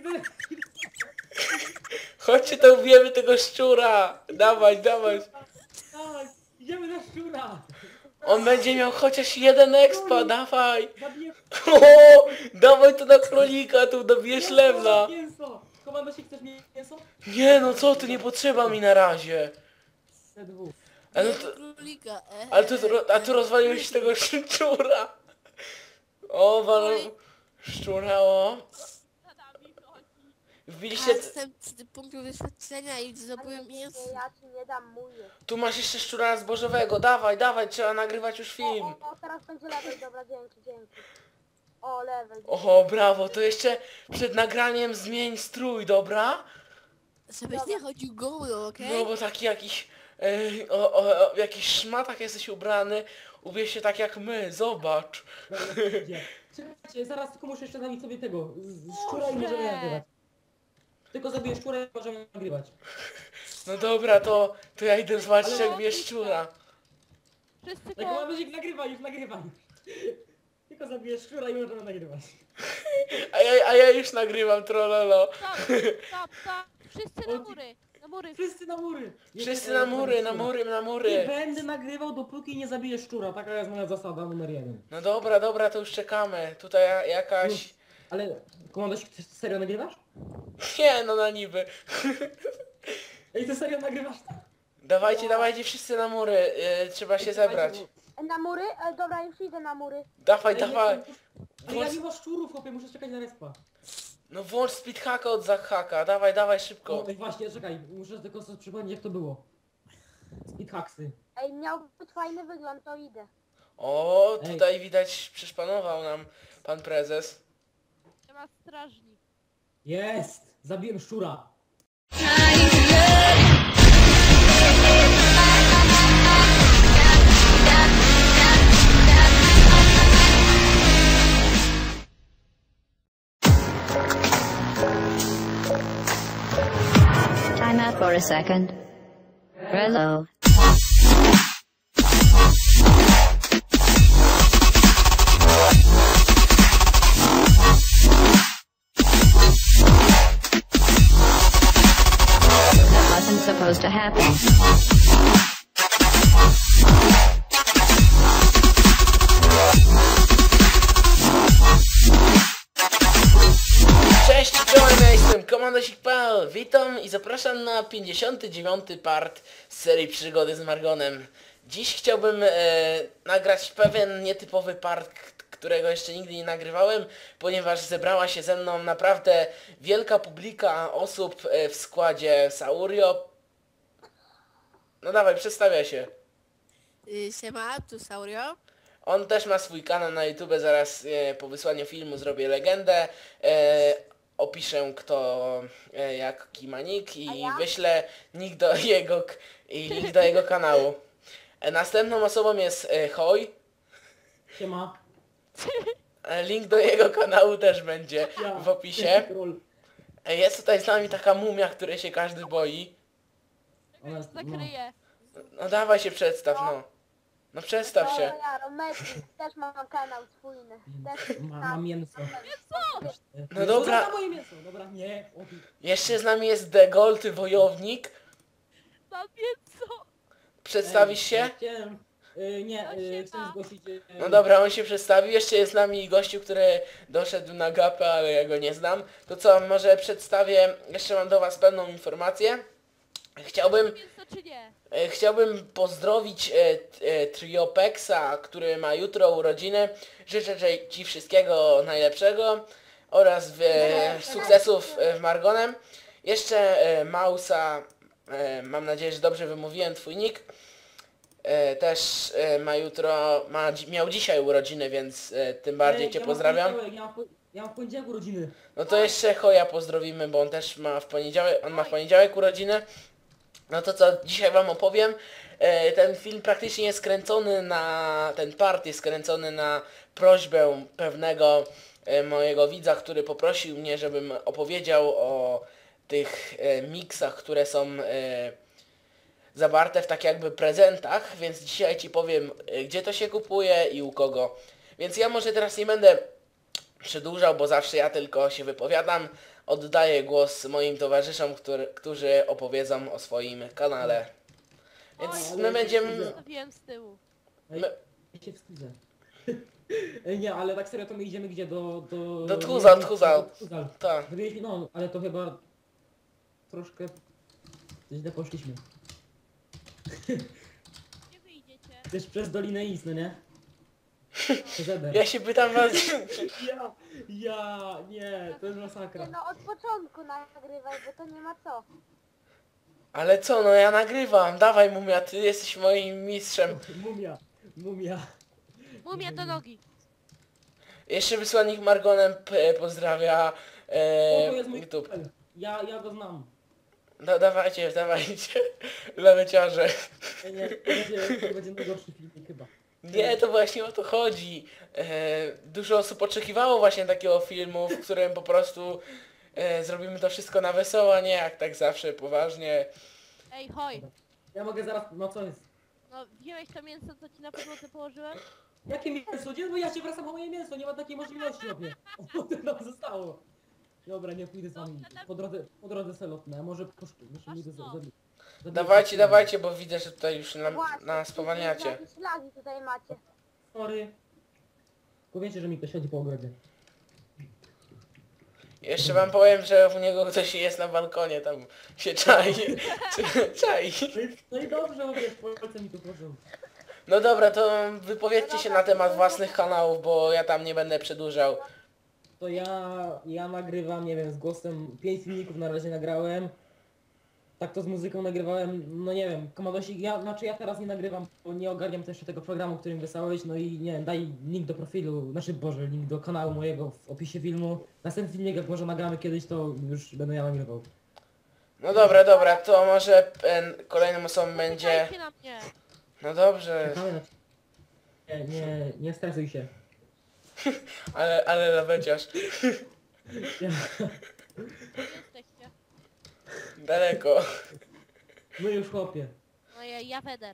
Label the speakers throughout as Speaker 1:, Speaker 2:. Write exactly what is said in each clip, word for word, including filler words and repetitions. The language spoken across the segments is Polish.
Speaker 1: Chodźcie, to ubijemy tego szczura. Dawaj, dawaj.
Speaker 2: Dawaj, idziemy na szczura.
Speaker 1: On będzie miał chociaż jeden expa, dawaj.
Speaker 2: Zabiję
Speaker 1: O, dawaj to na królika, tu dobijesz lewla.
Speaker 2: mięso. Komandosi, chcesz mięso?
Speaker 1: Nie no co ty, nie potrzeba mi na razie.
Speaker 2: Te dwóch.
Speaker 1: Ale, no to,
Speaker 3: Królika, e,
Speaker 1: ale tu, a tu rozwaliłeś tego szczura. O, wal... szczura, o. Wbiliście...
Speaker 3: Ja jestem z punktu doświadczenia i zdobyłem mięso.
Speaker 4: Ja ci nie dam mój.
Speaker 1: Tu masz jeszcze szczura zbożowego, dawaj, dawaj, trzeba nagrywać już
Speaker 4: O,
Speaker 1: film.
Speaker 4: o, o, teraz będzie level, dobra, dzięki, dzięki. O, level.
Speaker 1: Oho, brawo, to jeszcze przed nagraniem zmień strój, dobra?
Speaker 3: Żebyś nie chodził goły, okej?
Speaker 1: No bo taki jakiś... E, o, o, o, w jakichś szmatach jesteś ubrany, ubierz się tak jak my, zobacz.
Speaker 2: Dobra, idzie. Czekajcie, zaraz tylko muszę jeszcze nabić sobie tego. z- z Szczura i możemy nagrywać. Tylko zabiję szczura i możemy nagrywać.
Speaker 1: No dobra, to, to ja idę zobaczyć
Speaker 2: Ale-
Speaker 1: jak bierz szczura.
Speaker 3: Wszyscy
Speaker 2: Tak,
Speaker 3: to...
Speaker 2: komandozik, nagrywaj, już nagrywaj. Tylko zabiję szczura i możemy nagrywać.
Speaker 1: A ja, a ja już nagrywam, trololo.
Speaker 5: Stop, stop, stop. Wszyscy na mury. Na mury.
Speaker 2: Wszyscy na mury. Nie,
Speaker 1: Wszyscy
Speaker 2: nie,
Speaker 1: na
Speaker 2: nie,
Speaker 1: mury, na
Speaker 2: szczura.
Speaker 1: mury, na
Speaker 2: Nie
Speaker 1: mury.
Speaker 2: będę nagrywał, dopóki nie zabiję szczura. Taka jest moja zasada numer jeden.
Speaker 1: No dobra, dobra, to już czekamy. Tutaj ja- jakaś...
Speaker 2: Ale, komandozik, ty serio nagrywasz?
Speaker 1: Nie, no na niby.
Speaker 2: Ej, ty serio nagrywasz?
Speaker 1: Dawajcie, dawajcie wszyscy na mury. Yy, trzeba się zebrać.
Speaker 4: E, Na mury? E, dobra, już idę na mury.
Speaker 1: Dawaj,
Speaker 2: Ej,
Speaker 1: dawaj.
Speaker 2: nie, Ale ja nie mam szczurów, chłopie, muszę czekać na respa.
Speaker 1: No włącz speedhacka od zachaka. Dawaj, dawaj
Speaker 2: O,
Speaker 1: szybko.
Speaker 2: ej, właśnie, czekaj, muszę tylko sobie przypomnieć jak to było. Speedhacksy.
Speaker 4: Ej, miał być fajny wygląd, to idę.
Speaker 1: O,
Speaker 2: Ej.
Speaker 1: tutaj widać przyszpanował nam pan prezes.
Speaker 5: Nie ma strażnik.
Speaker 2: Jest! Zabiłem szczura.
Speaker 6: Time out for a second. Hello. That wasn't supposed to happen.
Speaker 1: Cześć, czołem, ja jestem Komandosik kropka p l. Witam i zapraszam na pięćdziesiąty dziewiąty part z serii Przygody z Margonem. Dziś chciałbym e, nagrać pewien nietypowy part, k- którego jeszcze nigdy nie nagrywałem, ponieważ zebrała się ze mną naprawdę wielka publika osób e, w składzie Saurio. No dawaj, przedstawia się.
Speaker 3: Y, Siema, tu Saurio.
Speaker 1: On też ma swój kanał na YouTube, zaraz e, po wysłaniu filmu zrobię legendę. E, opiszę kto e, jaki ma nick i
Speaker 4: A ja?
Speaker 1: wyślę nick do jego k- i link do jego kanału. E, następną osobą jest e, Hoj.
Speaker 2: Siema.
Speaker 1: E, link do jego kanału też będzie
Speaker 2: Ja.
Speaker 1: w opisie.
Speaker 2: Troll.
Speaker 1: E, jest tutaj z nami taka mumia, której się każdy boi.
Speaker 2: Ona jest- no.
Speaker 5: Zakryję.
Speaker 1: No dawaj się przedstaw, no. No przedstaw
Speaker 4: To
Speaker 1: się.
Speaker 4: ja, Romeczki, też mam kanał swój. Też
Speaker 2: Ma, mam mięso.
Speaker 1: No dobra.
Speaker 2: Za moje mięso. Dobra, nie. O,
Speaker 1: Jeszcze z nami jest The Gold Wojownik.
Speaker 5: Mam mięso.
Speaker 1: Przedstawisz się?
Speaker 2: Chciałem, y, nie,
Speaker 5: No
Speaker 2: y,
Speaker 5: się
Speaker 2: chcę
Speaker 5: ma.
Speaker 2: zgłosić... y,
Speaker 1: No dobra, on się przedstawił. Jeszcze jest z nami gościu, który doszedł na gapę, ale ja go nie znam. To co, może przedstawię, jeszcze mam do was pewną informację. Chciałbym,
Speaker 5: Mięso czy nie?
Speaker 1: e, chciałbym pozdrowić e, t- e, Triopexa, który ma jutro urodziny. Życzę że ci wszystkiego najlepszego oraz w, e, sukcesów e, w Margonem. Jeszcze e, Mausa, e, mam nadzieję, że dobrze wymówiłem twój nick. E, też e, ma jutro, ma, dzi- miał dzisiaj urodziny, więc e, tym bardziej
Speaker 2: Ej,
Speaker 1: cię
Speaker 2: ja mam
Speaker 1: pozdrawiam.
Speaker 2: poniedziałek, Ja mam, po- ja mam w poniedziałek urodziny.
Speaker 1: No to jeszcze Choja pozdrowimy, bo on też ma w poniedziałek, on ma w poniedziałek urodziny. No to co dzisiaj wam opowiem. E, ten film praktycznie jest skręcony na, ten part jest skręcony na prośbę pewnego e, mojego widza, który poprosił mnie, żebym opowiedział o tych e, miksach, które są e, zawarte w tak jakby prezentach, więc dzisiaj ci powiem, e, gdzie to się kupuje i u kogo. Więc ja może teraz nie będę przedłużał, bo zawsze ja tylko się wypowiadam, oddaję głos moim towarzyszom, który, którzy opowiedzą o swoim kanale. Więc
Speaker 2: Oj,
Speaker 1: my
Speaker 2: ale
Speaker 1: będziemy...
Speaker 5: Zostawiłem z tyłu.
Speaker 2: Ej,
Speaker 1: My...
Speaker 2: ja się wstydzę. Ej, nie, ale tak serio to my idziemy gdzie? Do... Do,
Speaker 1: Do Tchuzal,
Speaker 2: nie,
Speaker 1: Tchuzal.
Speaker 2: do Tchuzal.
Speaker 1: Tak.
Speaker 2: Zrobiliśmy, no, ale to chyba... Troszkę... Źle poszliśmy.
Speaker 5: Gdzie wy idziecie?
Speaker 2: Też przez Dolinę Isny, nie? Przez Eder.
Speaker 1: Ja się pytam was...
Speaker 2: Ja, ja, nie, to jest
Speaker 4: Nie
Speaker 2: masakra.
Speaker 4: no, od początku nagrywaj, bo to nie ma co.
Speaker 1: Ale co, no ja nagrywam. Dawaj Mumia, ty jesteś moim mistrzem.
Speaker 2: Mumia, mumia.
Speaker 5: Mumia do nogi.
Speaker 1: Jeszcze wysłannik Margonem p- pozdrawia
Speaker 2: O, to
Speaker 1: e,
Speaker 2: jest mój
Speaker 1: YouTube.
Speaker 2: kumpel. Ja, ja go znam.
Speaker 1: Da, dawajcie, dawajcie. Leweciarze.
Speaker 2: Ej, nie, to będzie, to będzie najgorszy filmik chyba.
Speaker 1: Nie, to właśnie o to chodzi. E, dużo osób oczekiwało właśnie takiego filmu, w którym po prostu e, zrobimy to wszystko na wesoło, a nie jak tak zawsze poważnie.
Speaker 5: Ej, hoj.
Speaker 2: Ja mogę zaraz, no co jest?
Speaker 5: No, wziąłeś to mięso, co ci na podłodze położyłem?
Speaker 2: Jakie mięso? Gdzie? Bo ja się wracam po moje mięso, nie ma takiej możliwości obie. O, to nam zostało. Dobra, nie pójdę z wami. Po drodze, po drodze selotne, a może poszły, może pójdę za, za, za,
Speaker 1: Dawajcie, dawajcie, bo widzę, że tutaj już nam,
Speaker 4: Właśnie,
Speaker 1: nas
Speaker 4: jakieś-
Speaker 1: spowalniacie.
Speaker 4: Jakieś lagi tutaj macie.
Speaker 2: Sorry. Powiecie, że mi ktoś chodzi po ogrodzie.
Speaker 1: Jeszcze wam powiem, że u niego ktoś jest na balkonie, tam się czai. czai.
Speaker 2: No i, no i dobrze, bo wiesz, Polsce mi tu proszę.
Speaker 1: No dobra, to wypowiedzcie się na temat własnych kanałów, bo ja tam nie będę przedłużał.
Speaker 2: To ja, ja nagrywam, nie wiem, z głosem, pięć filmików na razie nagrałem. Tak to z muzyką nagrywałem, no nie wiem, Komandosik, ja, znaczy ja teraz nie nagrywam, bo nie ogarniam też tego programu, którym wysłałeś, no i nie wiem, daj link do profilu, znaczy Boże, link do kanału mojego w opisie filmu. Następny filmik, jak może nagramy kiedyś, to już będę ja nagrywał.
Speaker 1: No dobra, dobra, to może e, kolejną osobą będzie...
Speaker 5: Czekajcie na mnie.
Speaker 1: No dobrze,
Speaker 2: Czekamy na... Nie, nie, nie stresuj się.
Speaker 1: ale, ale laweciarz.
Speaker 2: Ja,
Speaker 5: Gdzie jesteście?
Speaker 1: Daleko.
Speaker 2: no już chłopie,
Speaker 5: No ja, ja Weder.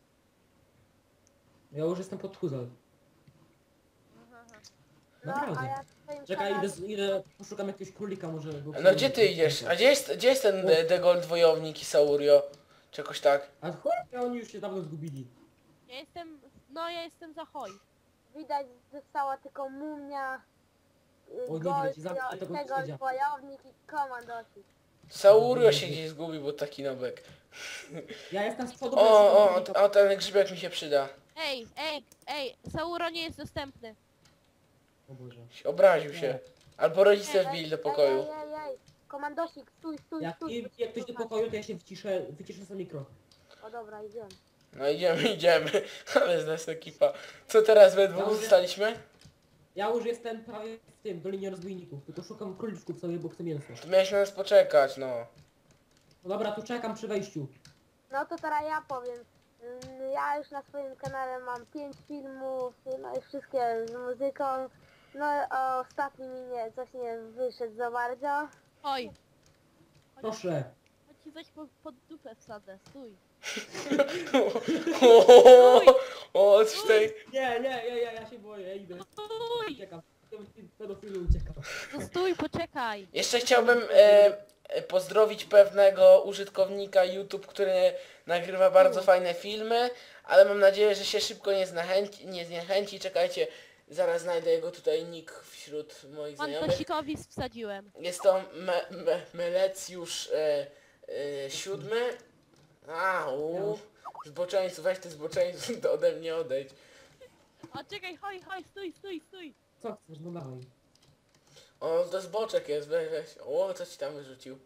Speaker 2: ja już jestem pod Tchuzal.
Speaker 5: Aha, aha.
Speaker 4: No,
Speaker 2: Naprawdę.
Speaker 4: a ja w swoim
Speaker 2: Czekaj, idę,
Speaker 4: kanale...
Speaker 2: z- idę, poszukam jakiegoś królika może. Go
Speaker 1: No gdzie ty idziesz? A gdzie jest, gdzie jest ten De, De Gold Wojownik i Saurio? Czy jakoś tak?
Speaker 2: A chłopie, oni już się dawno zgubili.
Speaker 5: Ja jestem, no ja jestem za hoj.
Speaker 4: Widać, została tylko mumia, y,
Speaker 2: O, nie
Speaker 4: gold,
Speaker 2: widać, zamknij tego
Speaker 4: tego
Speaker 2: sędzia.
Speaker 4: wojownik i komandosik.
Speaker 1: Saurio się gdzieś zgubił, bo taki nobek.
Speaker 2: Ja jestem z przodu.
Speaker 1: O, o,
Speaker 2: bez-
Speaker 1: o, ten grzybek mi się przyda.
Speaker 5: Ej, ej, ej, Sauro nie jest dostępny.
Speaker 2: O Boże.
Speaker 1: Obraził się. Albo rodzice wbili do pokoju.
Speaker 4: Ej, ej, ej, ej. Komandosik, stój, stój,
Speaker 2: Jak,
Speaker 4: stój.
Speaker 2: i,
Speaker 4: bo cię
Speaker 2: jak ktoś do
Speaker 4: słychać.
Speaker 2: pokoju, to ja się wyciszę, wyciszę sobie mikro.
Speaker 4: O dobra, idziemy.
Speaker 1: No idziemy, idziemy. Ale z nas ekipa. Co teraz we dwóch
Speaker 2: Dobrze.
Speaker 1: zostaliśmy?
Speaker 2: Ja już jestem prawie w tym, Dolinie Rozbójników, tylko szukam króliczków sobie, bo chcę mięso.
Speaker 1: Tu miałeś na nas poczekać, no.
Speaker 2: No dobra, tu czekam przy wejściu.
Speaker 4: No to teraz ja powiem. Ym, Ja już na swoim kanale mam pięć filmów, no i wszystkie z muzyką. No a ostatni mi nie, coś nie wyszedł za bardzo.
Speaker 5: Oj,
Speaker 2: Proszę.
Speaker 5: chodź ci coś pod, pod dupę wsadzę, stój.
Speaker 1: O, o, coś tutaj...
Speaker 2: Nie, nie, ja, ja, ja się boję, ja idę.
Speaker 5: Stój,
Speaker 2: Uciekam. Pedofilu uciekam.
Speaker 5: no stój, poczekaj.
Speaker 1: Jeszcze chciałbym e, e, pozdrowić pewnego użytkownika YouTube, który nagrywa bardzo fajne filmy, ale mam nadzieję, że się szybko nie zniechęci, nie zniechęci. Czekajcie, zaraz znajdę jego tutaj nick wśród moich znajomych.
Speaker 5: Mandosikowi wsadziłem.
Speaker 1: Jest to me, me, Melecjusz e, e, siódmy. A, u, zboczeńcu, weź ty zboczeńcu, to ode mnie odejdź.
Speaker 5: O, czekaj, hoj, hoj, stój, stój, stój.
Speaker 2: Co chcesz, no dawaj.
Speaker 1: O, to zboczek jest, weź, weź. O, co ci tam wyrzucił?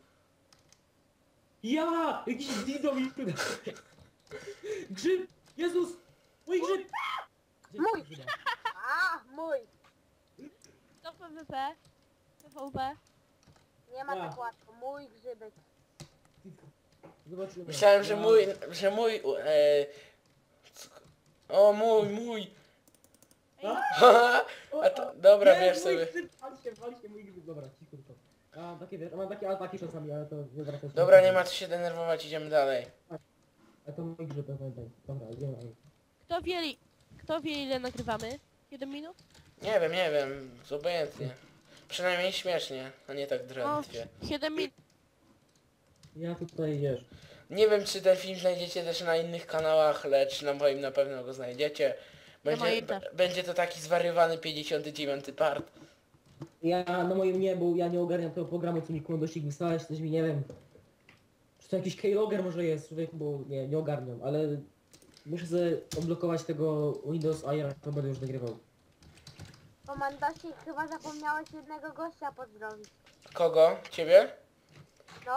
Speaker 2: Ja! Jakiś dido mi tu Grzyb! Jezus! Mój grzyb! Gdzie
Speaker 4: Mój!
Speaker 2: jest grzyba?
Speaker 4: A, mój!
Speaker 5: To P W P. P V P.
Speaker 4: Nie ma
Speaker 2: Ja.
Speaker 4: tak łatwo, mój grzybek.
Speaker 2: Zobaczymy.
Speaker 1: Myślałem, że
Speaker 2: Ja-
Speaker 1: mój, że mój, e, c- o mój, mój.
Speaker 2: A?
Speaker 1: A to, dobra,
Speaker 2: Nie,
Speaker 1: wiesz
Speaker 2: mój
Speaker 1: sobie.
Speaker 2: grzyb, Wal się, wal się, mój grzyb. Dobra, cicho to. Ja mam takie, wiesz, mam takie ataki czasami, ale to nie wracaj się.
Speaker 1: Dobra, nie ma co się denerwować, idziemy dalej.
Speaker 2: A to mój grzyb, pamiętaj. Dobra, idziemy dalej.
Speaker 5: Kto wie, kto wie ile nagrywamy? Jeden minut?
Speaker 1: Nie wiem, nie wiem, obojętnie. Przynajmniej śmiesznie, a nie tak
Speaker 5: No,
Speaker 1: drętwie.
Speaker 5: siedem minut.
Speaker 2: Ja tutaj wiesz.
Speaker 1: Nie wiem, czy ten film znajdziecie też na innych kanałach, lecz na moim na pewno go znajdziecie. Będzie,
Speaker 5: moim
Speaker 1: b-
Speaker 5: też.
Speaker 1: będzie to taki zwariowany pięćdziesiąty dziewiąty part.
Speaker 2: Ja na moim nie, bo ja nie ogarniam tego programu, co mi Komandosik wysłałeś, coś mi nie wiem. Czy to jakiś keylogger może jest, człowiek, bo nie, nie ogarniam, ale muszę sobie odblokować tego Windows A ja to będę już nagrywał.
Speaker 4: Komandosik, chyba zapomniałeś jednego gościa pozdrowić.
Speaker 1: Kogo? Ciebie?
Speaker 4: No,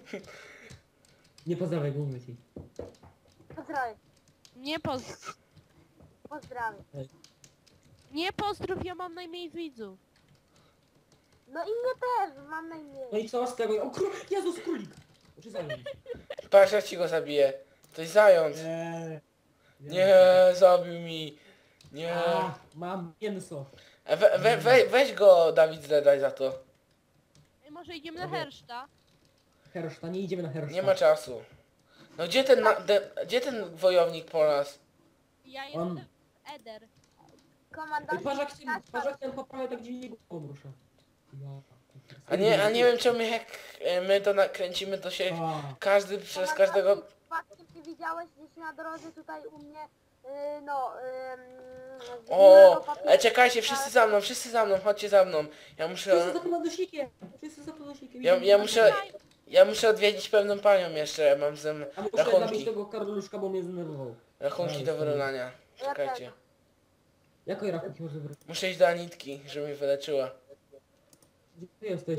Speaker 2: Nie pozdrawiaj, go mówię ci.
Speaker 4: pozdrowię.
Speaker 5: Nie pozdrów.
Speaker 4: Pozdrawiam.
Speaker 5: Nie pozdrów, ja mam najmniej widzów.
Speaker 4: No i mnie też, mam na imię.
Speaker 2: No i co z tego? O król... Jezus, królik! Czy zająć?
Speaker 1: Patrz, jak ci go zabiję. To jest zając.
Speaker 2: Nie.
Speaker 1: Nie, zabił mi. Nie.
Speaker 2: A, mam mięso.
Speaker 1: E, We, we, we, weź go, Dawid, zledaj za to.
Speaker 5: Ej, może idziemy na
Speaker 2: Dobra.
Speaker 5: Herszta?
Speaker 2: Herszta, nie idziemy na Herszta.
Speaker 1: Nie ma czasu. No gdzie ten, na, de, gdzie ten wojownik po nas?
Speaker 5: Ja
Speaker 2: On-
Speaker 5: jestem Eder.
Speaker 2: Ej,
Speaker 4: Komandosik,
Speaker 2: patrz jak się,
Speaker 4: nasz
Speaker 2: patrz jak ten poprawia tak dziwnie głową rusza. Ja.
Speaker 1: A nie, a nie wiem czemu jak e, my to nakręcimy, to się
Speaker 2: A,
Speaker 1: każdy przez każdego...
Speaker 4: Przypadkiem ty widziałeś gdzieś na drodze tutaj u mnie, yy, no, yy,
Speaker 1: O, e, czekajcie, wszyscy za mną, wszyscy za mną, chodźcie za mną. Ja
Speaker 2: wszyscy
Speaker 1: muszę,
Speaker 2: za komandosikiem! Wszyscy za komandosikiem!
Speaker 1: ja, ja muszę, ja muszę odwiedzić pewną panią jeszcze, mam ze mną
Speaker 2: A muszę zabić
Speaker 1: rachunki,
Speaker 2: tego Karoluszka, bo mnie zdenerwował.
Speaker 1: rachunki do wyrównania. Czekajcie.
Speaker 2: Jakiej rachunki może wrócić?
Speaker 1: Muszę iść do Anitki, żeby mi wyleczyła.
Speaker 2: Gdzie ty jesteś?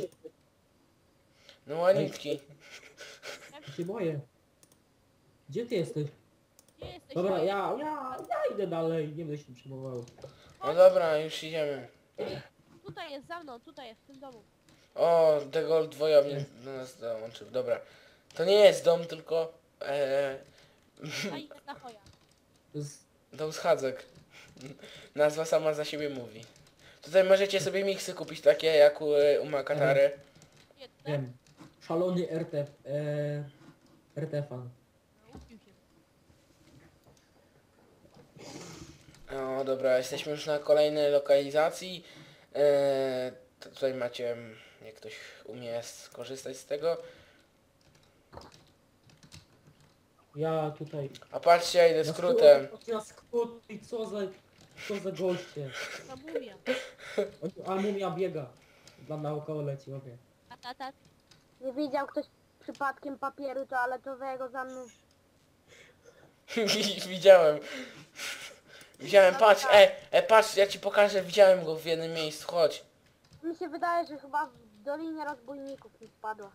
Speaker 1: No Anitki.
Speaker 2: Ja się boję. Gdzie ty jesteś?
Speaker 5: Gdzie jesteś?
Speaker 2: Dobra, ja, ja, ja idę dalej, nie będę się przejmował.
Speaker 1: No dobra, już idziemy.
Speaker 5: Tutaj jest za mną, tutaj jest, w tym domu.
Speaker 1: O, tego wojownik do nas dołączył, dobra. To nie jest dom, tylko e,
Speaker 5: A idę na choja.
Speaker 2: To jest,
Speaker 1: dom schadzek. Nazwa sama za siebie mówi. Tutaj możecie sobie miksy kupić takie jak u, u Makatary.
Speaker 5: Jedne.
Speaker 2: wiem, szalony R T F, e, R T F-an.
Speaker 5: Upił się.
Speaker 1: No dobra, jesteśmy już na kolejnej lokalizacji. E, to tutaj macie, mm, jak ktoś umie skorzystać z tego.
Speaker 2: Ja tutaj...
Speaker 1: A patrzcie, ja idę
Speaker 2: na
Speaker 1: skrótem.
Speaker 2: skrót- Na skrót i co za, co za goście.
Speaker 5: Ta mumia.
Speaker 2: A mumia biega. Dla naokoło leci, okej.
Speaker 5: A tata,
Speaker 4: Nie widział ktoś przypadkiem papieru toaletowego za mną.
Speaker 1: Widziałem. Widziałem, patrz, e, e, patrz, ja ci pokażę, widziałem go w jednym miejscu, chodź.
Speaker 4: Mi się wydaje, że chyba w Dolinie Rozbójników mi wpadła.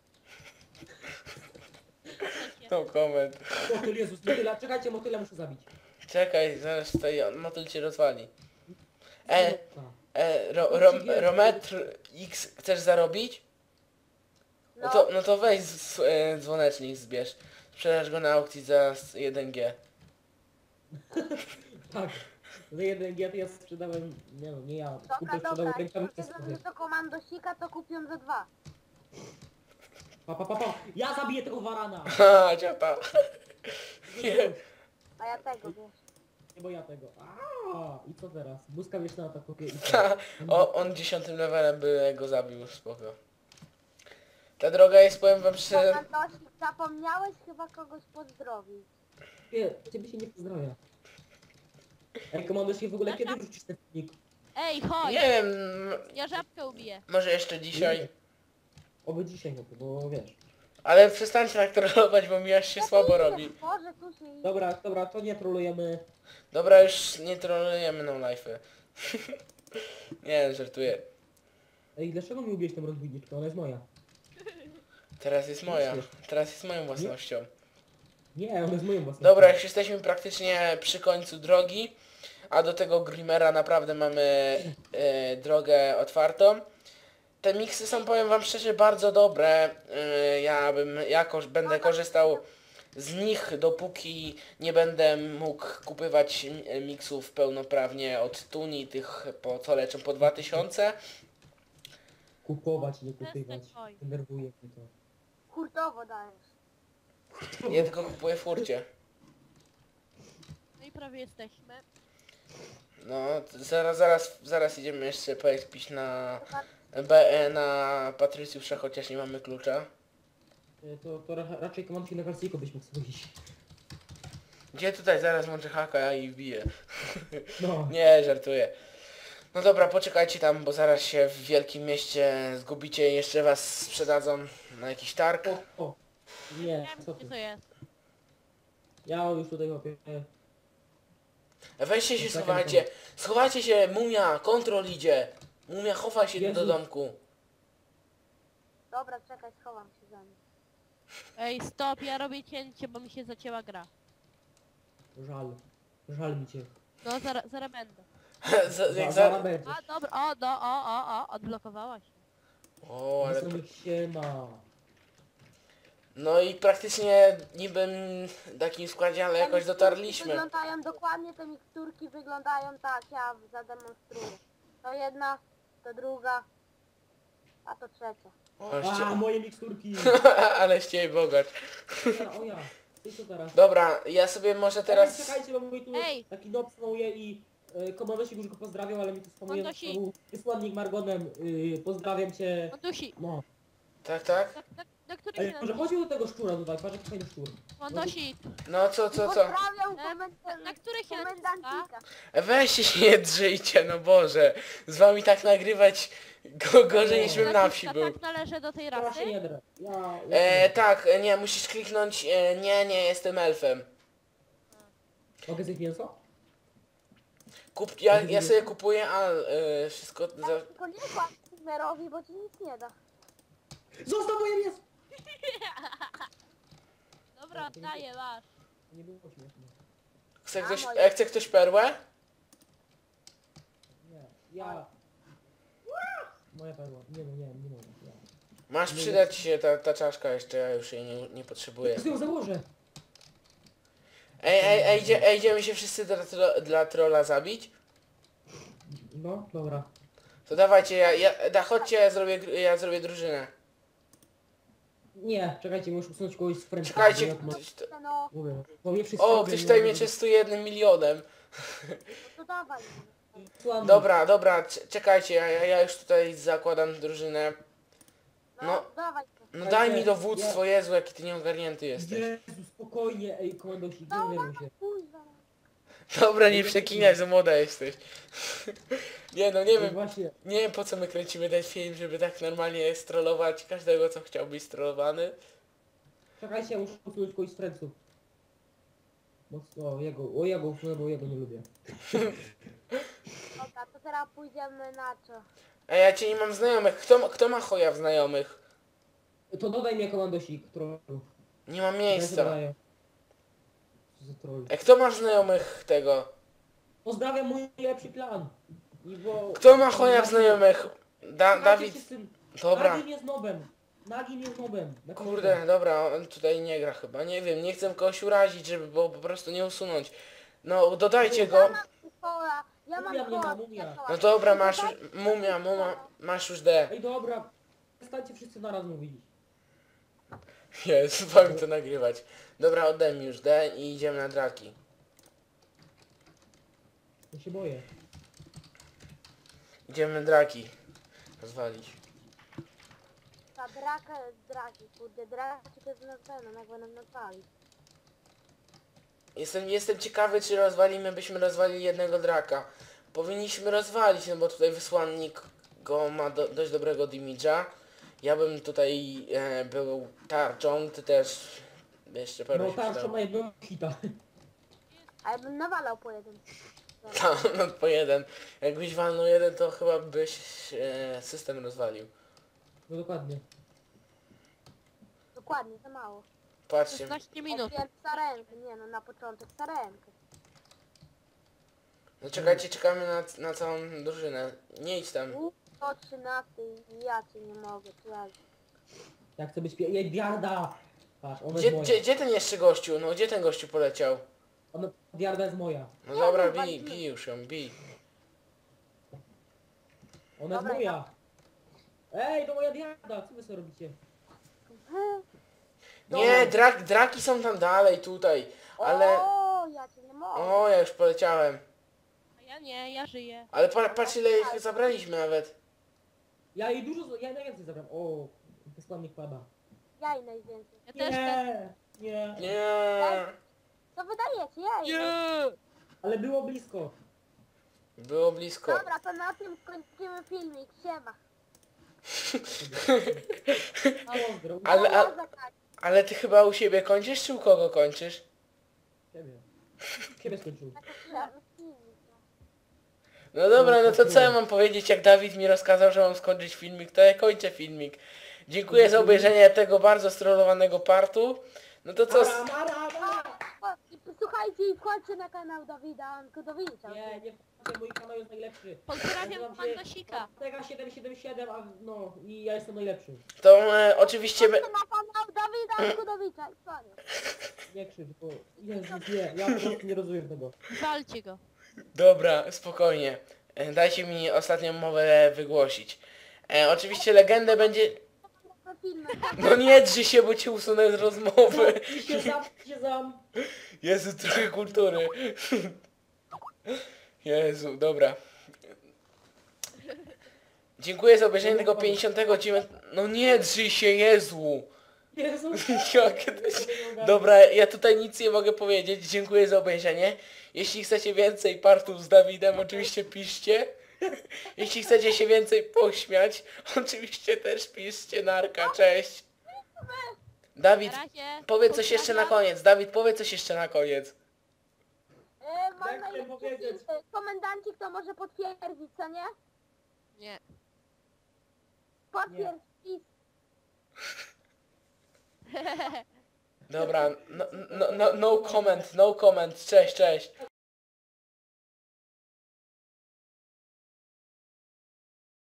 Speaker 1: No koment.
Speaker 2: Motyl, Jezus, motyla, czekajcie, motyla muszę zabić.
Speaker 1: Czekaj, zaraz tutaj on motyl cię rozwali. E,
Speaker 2: Ta.
Speaker 1: e, ro, ro, Rometr X chcesz zarobić? No
Speaker 4: No,
Speaker 1: to, no to weź z, z, e, dzwonecznik zbierz. Sprzedasz go na aukcji za jeden G.
Speaker 2: Tak. Za jeden G to ja sprzedałem, nie wiem, nie ja,
Speaker 4: dobra,
Speaker 2: kupię
Speaker 4: dobra,
Speaker 2: sprzedał
Speaker 4: jak
Speaker 2: rękawice
Speaker 4: powiedzą,
Speaker 2: sobie.
Speaker 4: że to komandosika, to kupią za dwa.
Speaker 2: Pa, pa, pa, pa. Ja zabiję tego warana!
Speaker 1: Ha, ciota. Nie.
Speaker 4: A ja tego, wiesz.
Speaker 2: Nie bo ja tego. Aaaa! I co teraz? Błyskawieczna atakuje i co?
Speaker 1: Ta, o, on dziesiątym levelem by go zabił, spoko. Ta droga jest, powiem wam szczerze,
Speaker 4: Komandosik, zapomniałeś chyba kogoś pozdrowić.
Speaker 2: Nie, ciebie się nie pozdrawia. Ej, komando się w ogóle kiedy wrzucisz ten filmik?
Speaker 5: ej, chodź!
Speaker 1: nie wiem,
Speaker 5: Ja żabkę ubiję.
Speaker 1: może jeszcze dzisiaj.
Speaker 2: Oby dzisiaj, no to, bo wiesz.
Speaker 1: Ale przestańcie tak trollować, bo mi aż się słabo robi.
Speaker 4: Boże, tu się idzie.
Speaker 2: Dobra, dobra, to nie trolujemy.
Speaker 1: Dobra, już nie trollujemy no life'y. Nie, żartuję.
Speaker 2: Ej, dlaczego mi ubiłeś tą rozbójniczkę? Ona jest moja.
Speaker 1: Teraz jest moja. Teraz jest moją własnością.
Speaker 2: Nie, ona jest moją własną.
Speaker 1: Dobra, już jesteśmy praktycznie przy końcu drogi, a do tego Grimera naprawdę mamy e, drogę otwartą. Te miksy są, powiem wam szczerze, bardzo dobre. E, ja bym jakoś będę korzystał z nich, dopóki nie będę mógł kupywać mi- miksów pełnoprawnie od Tuni, tych po co leczą po dwa tysiące.
Speaker 2: Kupować, nie kupywać.
Speaker 5: Przestań, oj.
Speaker 2: Denerwuje mnie to.
Speaker 4: Hurtowo dajesz.
Speaker 1: Ja tylko kupuję w furcie.
Speaker 5: No i prawie jesteśmy.
Speaker 1: No, to zaraz, zaraz, zaraz idziemy jeszcze pojeździć na B E na Patrycjusza, chociaż nie mamy klucza.
Speaker 2: Y, To, to ra raczej komandki na Kalsiko byś mógł sobie iść.
Speaker 1: Gdzie tutaj zaraz włączę haka i wbiję.
Speaker 2: No.
Speaker 1: Nie, żartuję. No dobra, poczekajcie tam, bo zaraz się w wielkim mieście zgubicie i jeszcze was sprzedadzą na jakiś targ.
Speaker 2: O, o. Nie,
Speaker 5: Wiem,
Speaker 2: co
Speaker 5: gdzie
Speaker 2: ty.
Speaker 5: to jest.
Speaker 2: Ja już tutaj łapię.
Speaker 1: Weźcie się,
Speaker 2: Czekaj,
Speaker 1: schowajcie. Schowajcie się, mumia, kontrol idzie. Mumia, chowaj się
Speaker 2: Jezu.
Speaker 1: do domku.
Speaker 4: Dobra, czekaj, schowam się za nim.
Speaker 5: Ej, stop, ja robię cięcie, bo mi się zacięła gra.
Speaker 2: Żal. Żal mi cię.
Speaker 5: No, zaraz, zaraz będę.
Speaker 1: Z, jak
Speaker 2: Za,
Speaker 1: za...
Speaker 2: zaraz będzie.
Speaker 5: A, dobra, o, do, o, o, o, odblokowała się.
Speaker 1: O, ale...
Speaker 2: Wesołych się ma.
Speaker 1: No i praktycznie niby w takim składzie, ale
Speaker 4: Te
Speaker 1: jakoś
Speaker 4: miksturki
Speaker 1: dotarliśmy.
Speaker 4: Wyglądają dokładnie, te miksturki wyglądają tak, ja zademonstruję. To jedna, to druga, a to trzecia.
Speaker 1: O,
Speaker 2: A,
Speaker 1: ście...
Speaker 2: moje miksturki.
Speaker 1: ale ściej bogacz.
Speaker 2: Ja, o ja. Ty co teraz?
Speaker 1: Dobra, ja sobie może
Speaker 2: Teraz...
Speaker 1: teraz...
Speaker 2: Ej, czekajcie, bo mój tu
Speaker 5: Ej!
Speaker 2: taki nob spamuje i y, komandosik już go pozdrawiał, ale mi tu spamuje
Speaker 5: Kondosi.
Speaker 2: znowu wysłannik Margonem. Y, pozdrawiam cię.
Speaker 5: Kondusi,
Speaker 2: No.
Speaker 1: Tak, tak?
Speaker 5: na, na, na który
Speaker 2: Ej,
Speaker 5: się
Speaker 2: może chodź do tego szczura tutaj, patrz jaki fajny szczur.
Speaker 5: Kondosi,
Speaker 1: No co, co, co?
Speaker 4: Pozdrawiam
Speaker 5: na,
Speaker 4: komend...
Speaker 5: na który się naciska?
Speaker 4: komendancika.
Speaker 1: Weźcie się nie drzyjcie, no Boże. Z wami tak nagrywać go, gorzej niż bym na wsi
Speaker 5: Naciska,
Speaker 1: był.
Speaker 5: tak należy do tej
Speaker 2: Ja
Speaker 5: rasy?
Speaker 2: się nie drę. Ja, ja
Speaker 1: E, tak, e, nie, musisz kliknąć, e, nie, nie, jestem elfem.
Speaker 2: Mogę zjeść mięso?
Speaker 1: Kup, ja, ja sobie kupuję, a e, wszystko za...
Speaker 4: Tylko nie kładź Sigmerowi, bo ci nic nie da.
Speaker 2: Zostaw moje mięso!
Speaker 5: Dobra, oddaję, masz.
Speaker 2: Nie było śmieszne.
Speaker 1: Chce
Speaker 4: A,
Speaker 1: ktoś,
Speaker 4: moje.
Speaker 1: e, chce ktoś perłę?
Speaker 2: Nie, ja... Moja perła. Nie no, nie, nie mogę. Ja.
Speaker 1: Masz przydać ci się ta, ta czaszka jeszcze, ja już jej nie, nie potrzebuję.
Speaker 2: Ja sobie ją założę.
Speaker 1: Ej, ej, ej, idzie, ej, idziemy się wszyscy dla, tro, dla trolla zabić?
Speaker 2: No, dobra.
Speaker 1: To dawajcie, ja, ja, da, chodźcie, ja zrobię, gr- ja zrobię drużynę.
Speaker 2: Nie, czekajcie, muszę usunąć kogoś z fręczy.
Speaker 1: Czekajcie,
Speaker 2: bo ja tu mam-
Speaker 1: ktoś to...
Speaker 4: No,
Speaker 2: Mówię, bo mnie wszyscy
Speaker 1: O,
Speaker 2: robią,
Speaker 1: ktoś
Speaker 2: nie
Speaker 1: tutaj
Speaker 2: mogę
Speaker 1: mnie częstuje jednym milionem.
Speaker 4: no to dawaj.
Speaker 2: Słamy.
Speaker 1: Dobra, dobra, c- czekajcie, ja, ja ja już tutaj zakładam drużynę.
Speaker 4: No,
Speaker 1: No.
Speaker 4: dawaj.
Speaker 1: No daj mi dowództwo, Jezu, jaki ty nieogarnięty jesteś.
Speaker 2: Jezu, spokojnie, ej, komandosik, denerwuj się.
Speaker 4: Kurwa.
Speaker 1: Dobra, nie przeklinaj, za młoda jesteś. Nie no, nie
Speaker 2: Ej,
Speaker 1: wiem,
Speaker 2: właśnie,
Speaker 1: nie wiem po co my kręcimy ten film, żeby tak normalnie strollować każdego, co chciał być strollowany.
Speaker 2: czekajcie, ja muszę usunąć kogoś z fręców. Mocno, o jego, o jego usunę, bo jego nie lubię.
Speaker 4: Dobra, to teraz pójdziemy na co?
Speaker 1: A ja cię nie mam znajomych. Kto, ma- kto ma choja w znajomych?
Speaker 2: To dodaj mnie komandosik, trollu.
Speaker 1: Nie mam
Speaker 2: Ja się
Speaker 1: miejsca.
Speaker 2: dodaję. Co za troll.
Speaker 1: E, kto ma znajomych tego?
Speaker 2: Pozdrawiam mój lepszy plan. I bo...
Speaker 1: Kto ma choja w znajomych? Da,
Speaker 2: Słuchajcie
Speaker 1: Dawid.
Speaker 2: się z tym.
Speaker 1: Dobra.
Speaker 2: Nagim jest nobem. Nagim jest nobem. Napiszcie.
Speaker 1: Kurde, dobra, on tutaj nie gra chyba. Nie wiem, nie chcę kogoś urazić, żeby było po prostu nie usunąć. No, dodajcie
Speaker 4: Ja
Speaker 1: go.
Speaker 4: mam koła, ja mam
Speaker 2: Mumia mnie ma,
Speaker 4: koła.
Speaker 2: mumia.
Speaker 1: No dobra, masz już, mumia, mumia, masz już D.
Speaker 2: Ej, dobra. Przestańcie wszyscy naraz mówić.
Speaker 1: Jest, wam to nagrywać. Dobra, oddaj mi już D i idziemy na draki.
Speaker 2: Ja się boję.
Speaker 1: Idziemy draki rozwalić.
Speaker 4: Ta draka jest draki, kurde, draki to jest na pewno, jak będą nazwali.
Speaker 1: Jestem, jestem ciekawy, czy rozwalimy, byśmy rozwalili jednego draka. Powinniśmy rozwalić, no bo tutaj wysłannik go ma do, dość dobrego damage'a. Ja bym tutaj e, był tarczą, ty też jeszcze perły
Speaker 2: No
Speaker 1: się
Speaker 2: tak,
Speaker 1: przydało.
Speaker 2: to ma jednego hita.
Speaker 4: A ja bym nawalał po jeden.
Speaker 1: Tam, no po jeden. Jakbyś walnął jeden, to chyba byś e, system rozwalił.
Speaker 2: No dokładnie.
Speaker 4: Dokładnie, za mało.
Speaker 1: Patrzcie,
Speaker 5: szesnaście minut.
Speaker 4: Opiem sarenkę, nie no, na początek sarenkę.
Speaker 1: no czekajcie, czekamy na, na całą drużynę. Nie idź tam.
Speaker 4: U, o trzynasty i ja cię nie mogę, czy ja...
Speaker 2: Jak chcę być pie... Jej, Diarda! Patrz, ona
Speaker 1: Gdzie,
Speaker 2: jest moja.
Speaker 1: gdzie, gdzie ten jeszcze gościu? No gdzie ten gościu poleciał?
Speaker 2: Ona... Diarda jest moja.
Speaker 1: No dobra,
Speaker 4: no,
Speaker 1: bij,
Speaker 4: walimy.
Speaker 1: bij już ją, bij.
Speaker 2: Ona jest
Speaker 4: Dobra,
Speaker 2: moja. Ej, to moja Diarda! Co wy sobie robicie?
Speaker 1: Nie, drak, draki są tam dalej, tutaj. Ale...
Speaker 4: O, ja cię nie mogę.
Speaker 1: O, ja już poleciałem.
Speaker 5: A ja nie, ja żyję.
Speaker 1: Ale pa, patrz ile ich zabraliśmy nawet.
Speaker 2: Ja jej dużo, ja najwięcej zabrałem. O, składnik pada.
Speaker 4: Jaj najwięcej.
Speaker 5: Ja też ten.
Speaker 2: Nie, nie.
Speaker 1: Nie.
Speaker 4: Co wydajecie? Jaj.
Speaker 3: Nie!
Speaker 2: Ale było blisko.
Speaker 1: Było blisko.
Speaker 4: Dobra, to na tym kończymy filmik. Siema.
Speaker 2: Pozdro.
Speaker 1: Ale, a,
Speaker 4: Dobra, tak.
Speaker 1: ale ty chyba u siebie kończysz, czy u kogo kończysz?
Speaker 2: Ciebie. Ciebie skończył.
Speaker 4: Filmik, no.
Speaker 1: No dobra, no to co ja mam powiedzieć, jak Dawid mi rozkazał, że mam skończyć filmik, to ja kończę filmik. Dziękuję za obejrzenie tego bardzo strollowanego partu. No to co...
Speaker 2: Ara, ara, ara.
Speaker 4: O, i słuchajcie i wchodźcie na kanał Dawida Ankudowicza.
Speaker 2: Nie, nie wchodźcie, mój kanał jest najlepszy.
Speaker 5: Pozdrawiam
Speaker 2: Nazywam się
Speaker 5: Mandosika.
Speaker 2: Ortega siedem siedem siedem, a no i ja jestem najlepszy.
Speaker 1: To e, oczywiście... Be...
Speaker 4: Wchodźcie na kanał Dawida Ankudowicza i koniec.
Speaker 2: Nie krzycz, bo Jezus, nie, ja po prostu nie rozumiem tego.
Speaker 5: Walcie go.
Speaker 1: Dobra, spokojnie. E, Dajcie mi ostatnią mowę wygłosić. E, oczywiście legendę będzie...
Speaker 4: Te filmy.
Speaker 1: No nie drzyj się, bo cię usunę z rozmowy.
Speaker 2: I się zam, i się zam.
Speaker 1: Jezu, trochę kultury. Jezu, dobra. Dziękuję za obejrzenie tego pięćdziesiątego dziewiątego... No nie drzyj się, Jezu.
Speaker 2: Jezu.
Speaker 1: Jakie to się... Dobra, ja tutaj nic nie mogę powiedzieć. Dziękuję za obejrzenie. Jeśli chcecie więcej partów z Dawidem, oczywiście piszcie. Jeśli chcecie się więcej pośmiać, oczywiście też piszcie. Narka, cześć. Dawid,
Speaker 5: Na razie.
Speaker 1: powiedz coś jeszcze na koniec. Dawid, powiedz coś jeszcze na koniec.
Speaker 4: E, mam
Speaker 2: Tak
Speaker 4: najlepszy
Speaker 2: chciałem powiedzieć.
Speaker 4: film. Komendancik to może potwierdzić, co nie?
Speaker 3: Nie.
Speaker 4: Potwierdź. I
Speaker 1: Dobra, no, no, no, no comment, no comment. Cześć, cześć.